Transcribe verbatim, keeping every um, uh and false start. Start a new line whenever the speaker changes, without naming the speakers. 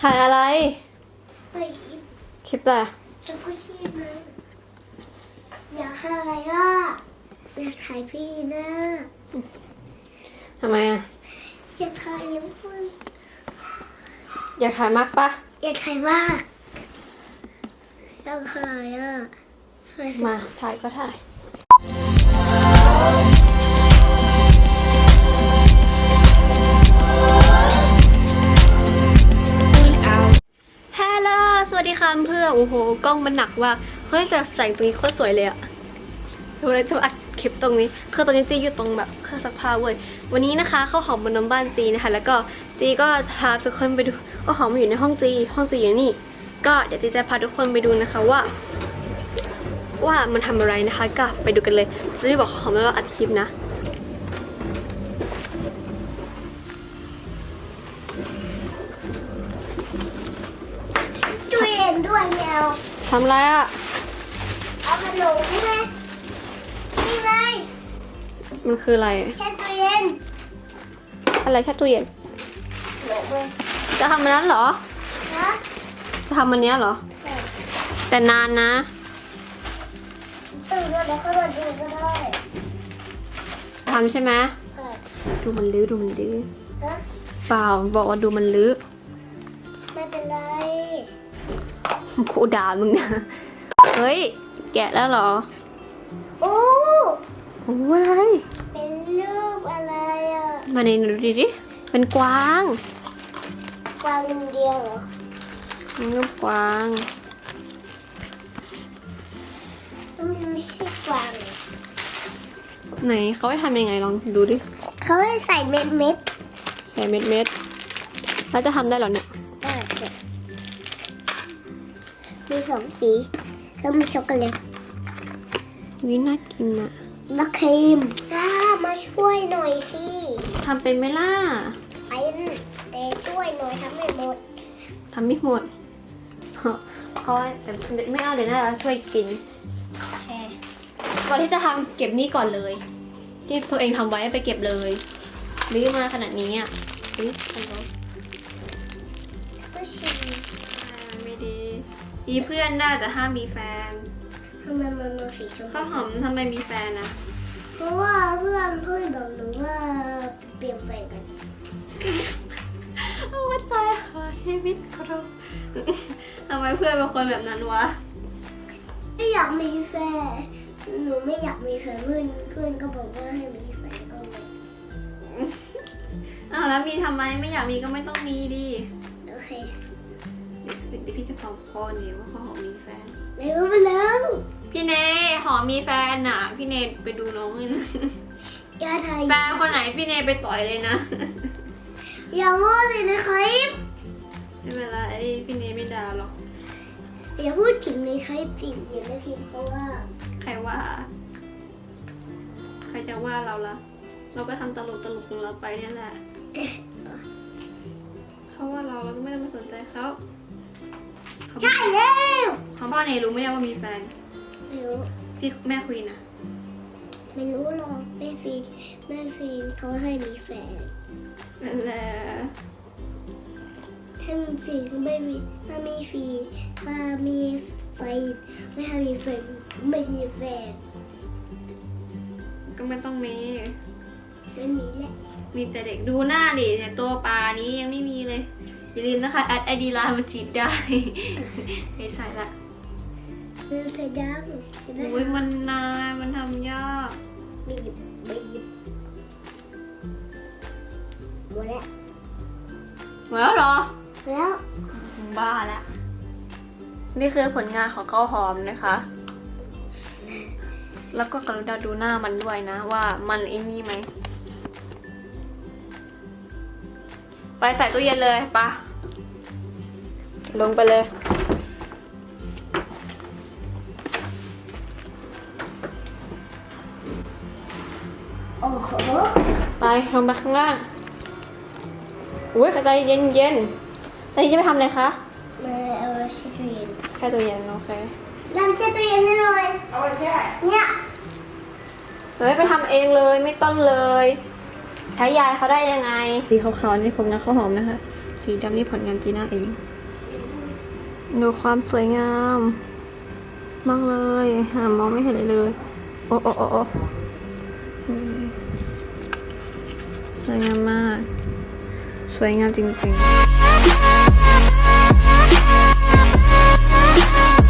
ถ่ายอะไร
ไป
คลิปอะไร
จะก็ชีพนะอยากถ่ายอ่ะอยากถ่ายพี่นะ
ทำไมอ่ะ
อยากถ่ายแล้วคุณ
อยากถ่ายมากปะ
อยากถ่ายมากอยากถ่ายอ่ะ
มาถ่ายก็ถ่ายฮัลโหลสวัสดีค่ะเพื่อนโอ้โหกล้องมันหนักว่าเฮ้ยจะใส่ตรงนี้โคตรสวยเลยอะดูเลยจะอัดคลิปตรงนี้คือตอนนี้จีอยู่ตรงแบบเครื่องซักผ้าเว้ยวันนี้นะคะข้าวหอมบนน้ำบ้านจีนะคะแล้วก็จีก็พาทุกคนไปดูข้าวหอมอยู่ในห้องจีห้องจีอยู่นี่ก็เดี๋ยวจีจะพาทุกคนไปดูนะคะว่าว่ามันทำอะไรนะคะก็ไปดูกันเลยจะไม่บอกข้าวหอมว่าอัดคลิปนะ
ตู้เย็นด้วยแมว
ทำอะไรอะ
เอาขนมไหมนี่ไง
มันคืออะไร
แช่ตู้เย็น
อะไรแช่ตู้เย็นจะทำมันนั้นเหรอ
นะ
จะทำมันเนี้ยเหรอแต่นานนะ
ตื่นแล้วก็มาดูก็ได้
ทำใช่ไหมดูมันลื้อดูมันลื้อเปล่าบอกว่าดูมันลื้อ
ไม่เป็นไร
ครูด่ามึงนะเฮ้ยแกะแล้วเหรอ
โอ้
โอ้อะไร
เป็นรูปอะไรอ่ะ
มาในดูดิดิเป็นกวาง
กวางอินเดียเหรอ
รูปกวาง
มันไม่ใช่กวาง
ไหนเขาให้ทำยังไงลองดูดิ
เขาให้ใส่เม็ดเม็ด
ใส่เม็ดเม็ดแล้วจะทำได้หรอเนี่ย
มีสองสีแล้วมีช็อกโกแลต
วิน่ากินอะ
มะครีมจ้ามาช่วยหน่อยสิ
ทำเป็นไหมล่ะ
เป็นแต่ช่วยหน่อยทำไม่หมด
ทำไม่หมดเขาไม่เอาเดี๋ยวน่าจะช่วยกินก่อนที่จะทำเก็บนี่ก่อนเลยที่ตัวเองทำไว้ไปเก็บเลยลื้อมาขนาดนี้อ่ะลื้อทำไว้ไม่ดีมีเพื่อนได้แต่ห้ามมีแฟน
ทำไมมันมีสีชมพู
ข้าวหอมทำไมมีแฟนนะ
เพราะว่าเพื่อนเพื่อนบอกหนูว่าเปลี่ยนแฟนกัน
เอาว่าตายหาชีวิตเขาทำไมเพื่อนเป็นคนแบบนั้นวะ
ไม่อยากมีแฟนหนูไม่อยากมีแฟนเพื่อนเพื่อนก็บอกว่าให้มีแฟนก็เลย
อ้าวแล้วมีทำไมไม่อยากมีก็ไม่ต้องมีดิ
โอเค
เดี๋ยวพี่จะฟังพ่อเนี่ยว่าเขาหอมมีแฟน
ไม่รู้มาแล้ว
พี่เนหอมมีแฟนน่ะพี่เนไปดูน้องเลยนะ
อย่าถ่าย
แฟนคนไหนพี่เนไปต่อยเลยนะ
อย่าว่าเลยนะครับ
ไม่เป็นไรพี่เนไม่ด่าหรอก
อย่าพูดถึงในคลิปติดอย่าในคลิปเพราะว่า
ใครว่าใครจะว่าเราละเราก็ทำตลกตลกของเราไปเนี่ยแหละเขาว่าเราเราก็ไม่ได้มาสนใจเขา
ใช่แล้ว
เขาพ่อเนรู้ไหมเนี่ยว่ามีแฟน
ไม่รู้
พี่แม่คุยนะ
ไม่รู้หรอกแม่ฟีแม่ฟีเขาให้มีแฟน
นั่นแหละ
ถ้ามีฟีก็ไม่มีถ้ามีฟีถ้ามีไฟไม่ถ้ามีแฟนไม่มีแฟน
ก็ไม่ต้องมี
ไม่มีแหละ
มีแต่เด็กดูหน้าดิเนี่ยตัวปลานี้ยังไม่มีเลยอย่าลืมนะคะแอดไอดีไลน์มาจีบได้ไม่ใช่ละ
เรื่องเสียดัง
โอ้ยมันนานมันทำยาก
บีบบีบหมดแล้ว
หมดแล้วเหรอ
แล้ว
บ้าแล้วนี่คือผลงานของข้าวหอมนะคะแล้วก็กรุณาดูหน้ามันด้วยนะว่ามันไอ้นี่ไหมไปใส่ตู้เย็นเลยปะลงไปเลย
โอ้โห
ไปลงไปข้างล่างอุ้ยใจเย็นเย็นตอนนี้จะไปทำอะไรคะ
มาเอาแช่ตู้เย็น
แช่ตู้เย็นโอเค
น้ำแช่ตู้เย็นให้หน่อยเอาไปแช่เนี่ย
เฮ้ยไปทำเองเลยไม่ต้องเลยใช้ยายเขาได้ยังไงสีขาวๆนี่ผมนะข้าวหอมนะคะสีดำนี่ผลงานจีน่าเองดูความสวยงาม มากเลยหามองไม่เห็นเลยเลย โอ้โอ้โอ้โอ้อืมสวยงามมาก สวยงามจริงๆ